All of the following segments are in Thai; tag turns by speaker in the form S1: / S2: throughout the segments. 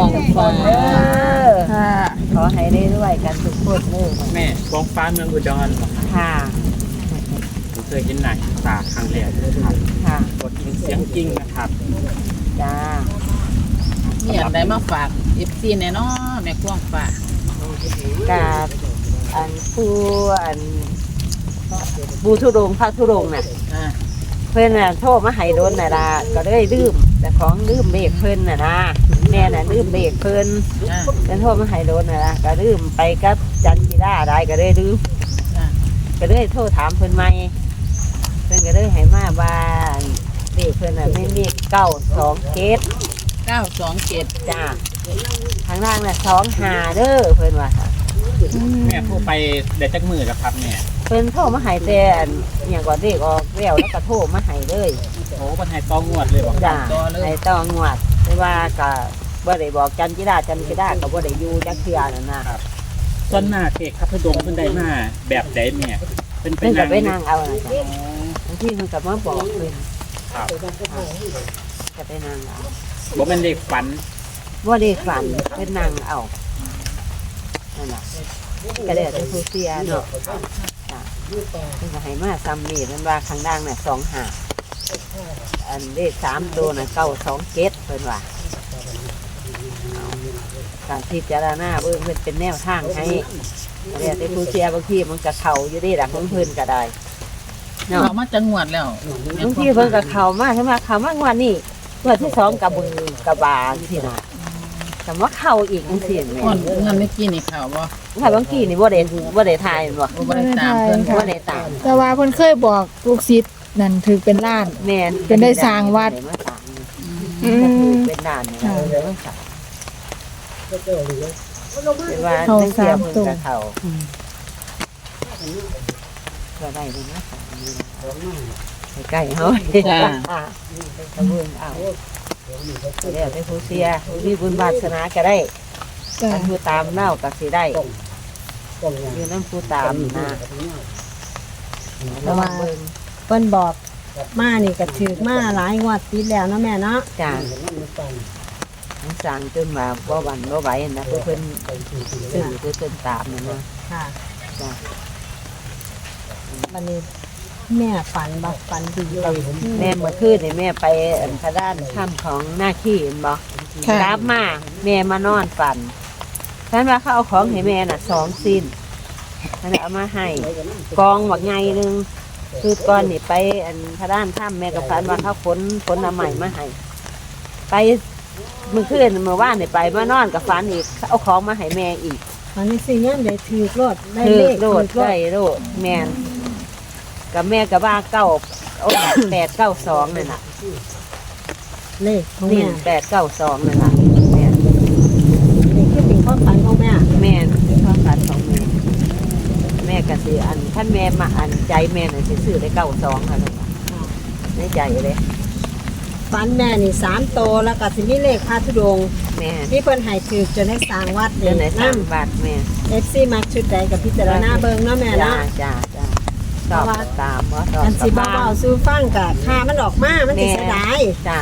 S1: องฟ้า
S2: ค่ะ
S1: ขอให้ได้ด้วยกันทุกคนเลย
S3: แม่กองฟ้าเมืองอุดร
S1: ค่ะ
S3: ผมเคยเห็นหนังตาครั้งแรกเลยครับ
S1: ค่ะ
S3: กดเสียงจริงนะครับ
S1: จ้า
S2: มีอันใดมาฝาก FC แน่เนาะแม่กวางฟ้าก
S1: าบอันผู้อันบูทุรงพระทุรงน่ะ
S2: อ่า
S1: เพิ่นน่ะโทรมาให้โดนน่ะล่ะก็เลยลืมแต่ของลืมเบรกเพิ่นน่ะนะแม่น่ะลืมเบรกเพิ่น
S2: อ่า
S1: เพิ่นโทรมาให้โดนน่ะล่ะก็ลืมไปกับจันทิราได้ก็เลยลืม
S2: อ่า
S1: ก็เลยโทรถามเพิ่นใหม่เพิ่นก็เลยให้มาว่าเด็กเพิ่นน่ะไม่มี927
S2: 927
S1: จ้าทางล่างน่ะ25เด้อเพิ่นว่าค่ะ
S3: แม่ผู้ไปเดี๋ยวจักมือแล้วครับแม่
S1: เพิ่นโทรมาให้แต่อันอหย่างก่อนเด็กออกแล้วแล้วก็โทรมาให้เลย
S3: โอ้ปัญหาต้องงวดเลยบอก
S1: จ้าให้ต้องงวดแต่ว่าก็บ่ได้บอกจันทิราก็บ่ได้อยู่จักเทื่อนั่นน่ะ
S3: ส่วนหน้าเด็กครับพดงเพิ่นได้มาแบบใดแม่เป็น
S1: เพิ่นก็ไป
S3: นั่
S1: นั่งเอาน่ะจ้ะบางทีเพิ่นก็มาบอกเพิ่น
S3: ครับ
S1: ก็ไปนั่งเอา
S3: บ่เป็นเด็กฝัน
S1: บ่ได้ฝันเพิ่นนั่งเอานั่นน่ะก็ได้แต่ผู้เสียเนาะจ้ะเพิ่นก็ให้มาซ้ำนี่มันว่าข้างล่างน่ะ25อันเลข3ตัวน่ะ927เพิ่นว่าเอาการพิจารณาเบิ่งเพิ่นเป็นแนวทางให้ก็ได้แต่ผู้เสียบางทีมันก็เข้าอยู่เด้ล่ะของเพิ่นก็ได้เนาะ
S2: เรามาจังหวัดแล้ว
S1: บางทีเพิ่นก็เข้ามาใช่ไหมเข้ามางวดนี้งวดที่2กับมือกระบาลสินะแต่ว่าเข้าอีกจังซี่แม่
S2: ก่อนเงินเมื่อกี้นี่ข่าวบ่
S1: ถ้าบางทีนี่บ่ได้ทายแม่นบ่
S2: บ่ได้ตามเพิ่น
S1: บ่ได้ตาม
S4: แต่ว่าเพิ่นเคยบอกลูกศิษย์นั่นถือเป็นล้าน
S1: แม่น
S4: เป็นได้สร้างวัด
S1: ได้มาสร้าง
S4: อื
S1: ก็คือ
S4: ม
S1: เป็นด่านนี่เลยมาสร้างเป็นว่า
S4: เข้า
S1: จังซี่
S4: สาม
S1: เพิ่น
S4: ตัว
S1: ก็เข้าก็ได้เลยนะสร้างนี่นะใกล้ๆเฮาตะเบิ่งเอาแล้วแต่ผู้เสียผู้มีบุญวาสนาก็ได้
S4: จ้ะ
S1: อันผู้ตามเน่าก็สิได้อยู่นั่นผู้ตามนะ
S5: แต่ว่า เพิ่นบอกมานี่ก็ถือมาหลายงวดติดแล้วเนาะแม่เนาะ
S1: จ้ามันสั่งจนว่าบ่หวันบ่ไหวนะเพิ่นซื้อเพิ่นตามนะ
S5: ค่ะ
S1: จ้า
S5: วันนี้แม่ฝันบ่ฝันดีบ่
S1: แม่เมื่อคืนนี่แม่ไปอันพระด้านถ้ำของหน้าขี้เห็นบ่
S4: ค่ะ
S1: กลับมาแม่มานอนฝันฉันว่าเขาเอาของให้แม่น่ะ2สิ้นฉันเอามาให้กองบักใหญ่นึงคือก่อนนี่ไปอันพระด้านถ้ำแม่ก็ฝันว่าเขาขนเอาใหม่มาให้ไปเมื่อคืนเมื่อวานนี่ไปมานอนกับฝันอีกเอาของมาให้แม่อีก
S5: วันนี้สิยังได้ถือรถได้
S1: คือ
S5: เลข
S1: โดด
S5: ถือรถ
S1: ได้โดดแม่นกับแม่กับว่า892นั่นน่ะ
S5: เลขของ
S1: นี่
S5: แม่
S1: 892นั่นน่ะแม่น
S5: นี่คือเป็นความฝันของแม่
S1: แม่นคือความฝันของแม่แม่ก็สิอันท่านแม่มาอันใจแม่น่ะสิซื้อได้92ค่ะนั่นน่ะในใจเลย
S5: ฝันแม่นี่3โตวแล้วก็สิมีเลขพระธุดงค์
S1: แม่
S5: ที่เพิ่นให้ถือจนได้สร้างวัด
S1: เดินไหนสร้าง
S5: นำ
S1: บาทแม่
S5: FC มักชุดใดกับพิจารณาเบิ่งเนาะแม่
S1: จ้า
S5: เนาะ
S1: จ้าชอบก็ตามบ่ชอบ
S5: อันสิ
S1: ก็
S5: บ่
S1: บ้า
S5: เว้าสู่ฟังก็ค่ามันออกมามันสิเสียดาย
S1: จ้า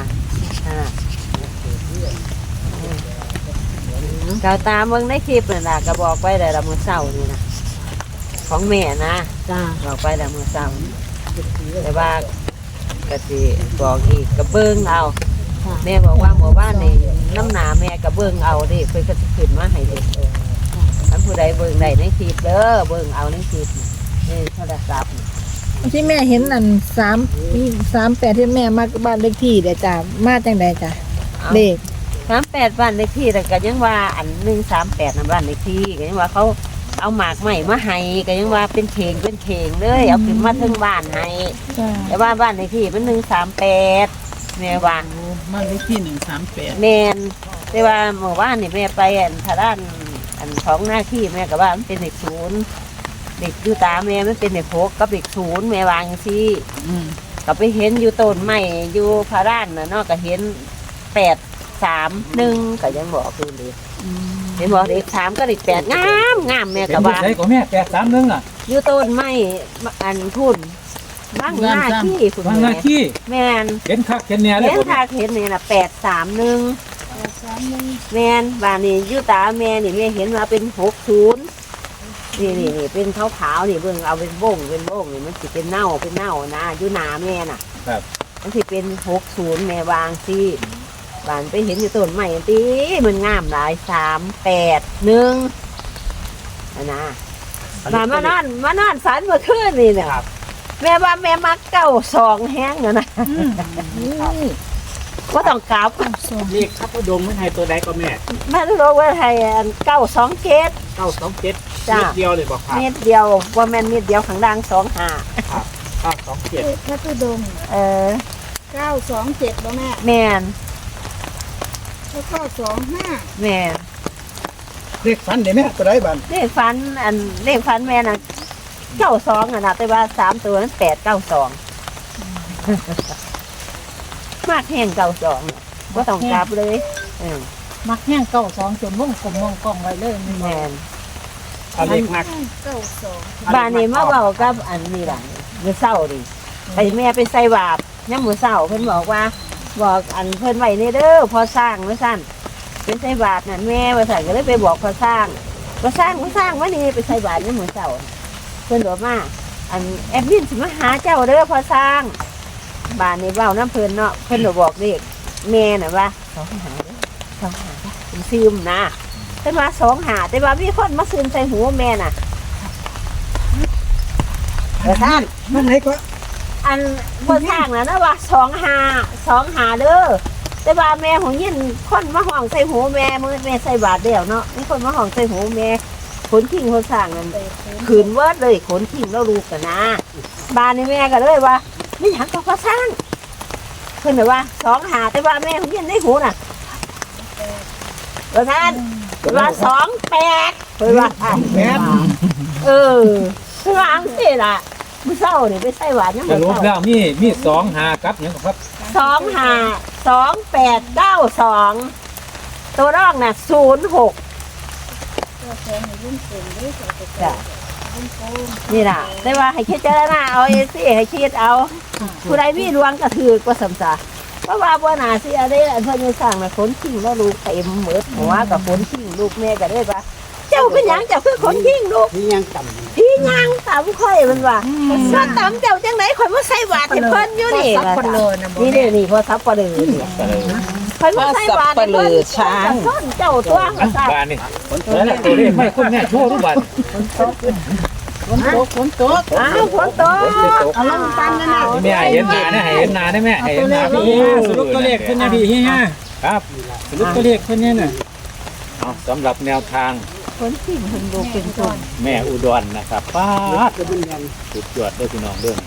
S1: ก็ตามเบิ่งในคลิปนั่นล่ะก็บอกไว้ได้ละมื้อเช้านี่นะของแม่นะ
S5: จ้า
S1: บอกไปแล้วมื้อเช้าแต่ว่าก็สิบอกอีกก็เบิ่งเอา
S5: ค่ะ
S1: แม่บอกว่าหมู่บ้านนี่น้ำหนาแม่ก็เบิ่งเอาเดิเพิ่นก็สิขึ้นมาให้เด็กท่านผู้ใดเบิ่งได้ในคลิปเด้อเบิ่งเอาในคลิปนี่โทรศัพท์
S4: ที่แม่เห็นอัน38ที่แม่มาบ้านเลขที่เด้อจ้ะมาจังไดจ้ะเลข
S1: 38บ้านเลขที่แต่ก็ยังว่าอัน138นั่นบ้านเลขที่ก็ยังว่าเขาเอาหมากใหม่มาให้ก็ยังว่าเป็นเข่งเลยเอาขึ้นมาถึงบ้านให้
S4: จ้ะ
S1: แต่ว่าบ้านเลขที่มัน138แม่ว่า
S2: มันเลขที่138
S1: แม่นแต่ว่าเมื่อวานนี่แม่ไปอันทางด้านอันของหน้าที่แม่ก็ว่ามันเป็นเลข0เด็กอยู่ตาแม่มันเป็นเลข6กับเลข0แม่วาจังซี่
S2: อืม
S1: ก็ไปเห็นอยู่ต้นไม้อยู่พระด้านน่ะเนาะก็เห็น831ก็ยังบอกคือเลยเห็นบอกเลข3ก็เลข8งามแม่ก็ว่า
S3: ใช่ของแม่831อ่ะ
S1: อยู่ต้นไม้อันพุ่นบ้างหน้าที่พุ่น
S3: วางหน้า
S1: แม่
S3: ที่
S1: แม่น
S3: เห็นคักเห็นแน่เลย
S1: เห็น
S3: ผม
S1: ทาเห็นนี่น่ะ831 แม่นบ้านนี้อยู่ตาแม่นี่แม่เห็นว่าเป็น60นี่เป็นขาวๆนี่เบิ่งเอาเป็นบ่งนี่มันสิเป็นเน่านะอยู่หน้าแม่น่ะ
S3: ครับ
S1: มันสิเป็น60แม่วางสิบ้านไปเห็นอยู่ต้นไม้ติมันงามหลาย381นะมานอนฝันเมื่อคืนนี่เนี่ย
S3: ครับ
S1: แม่ว่าแม่มัก92แห้งนะก็ต้องกลับ
S3: เลขพระธุดงค์เพิ่นให้ตัวใดก็แม่
S1: แม่รู้ว่าไทย927
S3: 927
S1: จ้ะ
S3: เม็ดเดียวเลยบอกครับ
S1: เม็ดเดียวว่าแม่นเม็ดเดียวข้างล่าง25
S3: ครับ927
S4: พระธุดงค์ 927บ่แม่
S1: แม่น
S4: แล้วก็25
S1: แม่น
S6: เลขฝันได้แม่ตัวใดบัด
S1: เลขฟันแม่น่ะ92นะแต่ว่า3ตัวนั้น892มากแห้ง92บ่ต้องกลับเลย
S2: มักแห้งเก้าสองจนวงกลมวงกล้องไว้เลย
S1: แม่น
S3: เอาเลขมาก
S4: 92
S1: บ้านนี้มาเว้ากับอันนี้ล่ะมื้อเช้าดิไปแม่ไปใส่บาตรยามมื้อเช้าเพิ่นบอกอันเพิ่นไว้ในเด้อพอสร้างว่าซั่นเป็นใส่บาตรนั่นแม่ว่าซั่นก็เลยไปบอกพอสร้างว่านี่ไปใส่บาตรยามมื้อเช้าเพิ่นบอกมาอันแอดมินสิมาหาเจ้าเด้อพอสร้างบ้านนี้เว้าน้ำเพิ่นเนาะเพิ่นก็บอกเด็กแม่น่ะว่า2หาเด้อ2หาเป็นซึมนะแต่ว่า2หาแต่ว่ามีคนมาซึมใส่หูแม่น่ะท่าน
S6: มันไหนก็
S1: อันบนทางนะว่า2 หาเด้อแต่ว่าแม่ของยินคนมาห้องใส่หูแม่มือแม่ใส่บาทเดียวเนาะมีคนมาห้องใส่หูแม่ขนทิ้งคนสร้างนั่นขืนเวิร์ดเลยขนทิ้งแล้วลูกกันนะบ้านนี่แม่ก็เลยว่าไม่อยากก็สร้างเพิ่นว่า2 หาแต่ว่าแม่ของยินในหูน่ะท่านว่า28เพิ่นว่า
S6: แม่น
S1: เออเพิ่นว่าอังสิล่ะมื้อเช้านี่ไปใส่หวานยัง
S7: ส
S1: มื้อ
S7: รุป
S1: เช้า
S7: แล้วมี2 5กับหยังครับ
S1: 2892ตัวรองน่ะ06จ้ะนี่ล่ะได้ว่าให้คิดเจารณาเอาเอซี่ให้คิดเอาผู้ใดมีดวงก็ถือกว่าสำซาเพราะว่าบ่น่าสิอะไรอันเพิ่นจะสร้างน่ะขนทิ้งแล้วลูกเต็มหมดหัวกับขนทิ้งลูกแม่ก็ได้ว่าเจ้าเป็นหยังเจ้าคือขนทิ้งลูก
S6: ที่ยังต่ำ
S1: พี่ย่างตำข่อยมันว่าว่าตำเจ้าจังไหนข่อยมาใส่บาตรให้เพิ่นอยู่นี่
S2: ซับคนเลยนะบ่
S1: นี่เด้อนี่พอซับปลาเลยเนี่ยข่อยมาใส่บาตรให้เพิ่นช้างเจ้าตัวว่าซั่น
S7: บ้านนี่แล้วล่ะตัวเลขไม่คุณแม่โชว์ทุกบัด
S2: ฝนตก
S1: อ้าวฝนตก
S2: เอาลงตันนั่นน่ะ
S7: แม่ให้เห็นหน้านะให้เห็นหน้าได้แม่ให้เห็นหน้า
S3: พี่
S7: พี่
S3: สรุปตัวเลขเพิ่นนะพี่เฮีย
S7: ครับ
S3: สรุปตัวเลขเพิ่นเนี่ยน่ะ
S7: เอาสำหรับแนวทาง
S1: ฝนทิ้งเพิ่นลูกเป็นต้น
S7: แม่อุดรนะครับป้าดสุดยอดเด้อพี่น้องเด้อ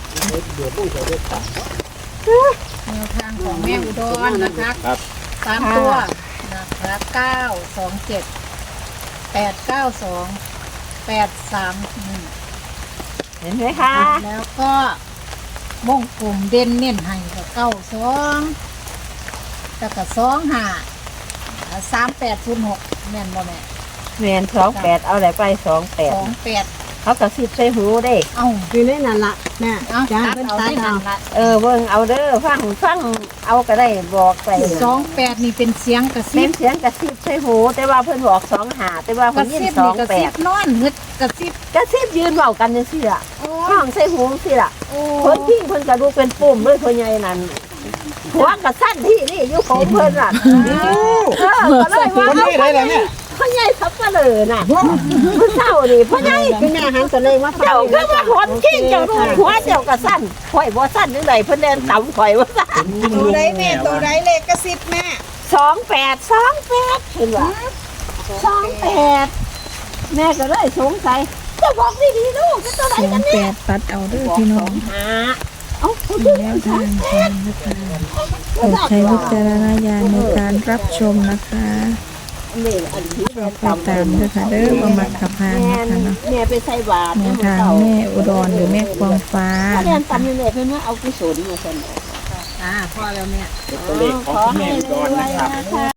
S2: แนวทางของแม่อุดรนะคะ
S7: ครับ
S2: 3ตัวนะคะ927 892 831
S1: เห็นไหมคะ
S2: แล้วก็วงกลมเด่นเน้นให้ก็92แล้วก็25 3806แม่นบ่แม่
S1: แม่น28เอาอะไรไป28
S2: 28
S1: เขาก็สิบใส่หูได้
S2: เอ้า
S5: อยู่ในนั่นล่ะแม่
S2: เอา
S5: จ้า
S2: ตัด
S5: เพิ่น
S2: เอา
S5: ตัด
S2: ที่
S5: เอา
S2: นั่นละ
S1: เบิ่งเอาเด้อฟังเอาก็ได้บอกไป
S2: 28นี่เป็นเสียงกระซิ
S1: เส้
S2: บ
S1: นเสียงกระซิบใส่หูแต่ว่าเพิ่นบอก2 หาแต่ว่าก เพิ่
S2: ระ
S1: นยิน
S2: ซิบนี่กระซิบ
S1: 28
S2: นอนหึดกระซิบ
S1: กระซิบยืนเว้ากันจังซี่ล่ะ
S2: โอ้
S1: ห้องใส่หูจังซี่ล่ะ
S2: โอ้
S1: คนทิ้งเพิ่นกระดูกเป็นปุ่มเลยพ่อใหญ่นั่นหัวกระสั้นที่นี่อยู่ของเพิ่นน่ะก็เลยว่า
S6: คนนี้ได้แล้วเนี่ย
S1: พ่อใหญ่สับปะเลอน่ะมื้อเช้านี่พ่อใหญ่
S5: คุณแม่หันตัวเลยมาฟัง
S1: เจ้าคือว่าคนทิ้งเจ้าดูหัวเจ้ากระสั้นข่อยบ่สั้นจังไดเพิ่นเดินต่ำข่อยว่าซั่น
S4: ตัวใดแม่ตัวใดเลขกระซิบแม่
S1: 28เห็นว่า28แม่ก็เลยสงสัยจะบอกดีๆลูกเป็นตัวไหนกันเนี่ย
S4: 28ตัดเอาเด้อพี่น้อง
S1: หาเอ้าคุณ
S4: แนวทางกันนะคะโปรดใช้วิจารณญาณในการรับชมนะคะ
S1: นี่อันที่แม่
S4: ไปตามเด้อค่ะเด้อบ่มักขับพาน
S1: แม่
S4: นะคะเนาะ
S1: แม่ไปใส่บาตร
S4: แนวทางแม่อุดรหรือแม่ควงฟ้า
S1: ถ้าเรียนตำนี่แม่เพิ่นว่าเอากุศลมาซั่น
S2: พ่อแล้วแม่
S3: ตัวเลขของคุณแม่อุดรนะครับ
S1: ขอให้รวยๆนะคะ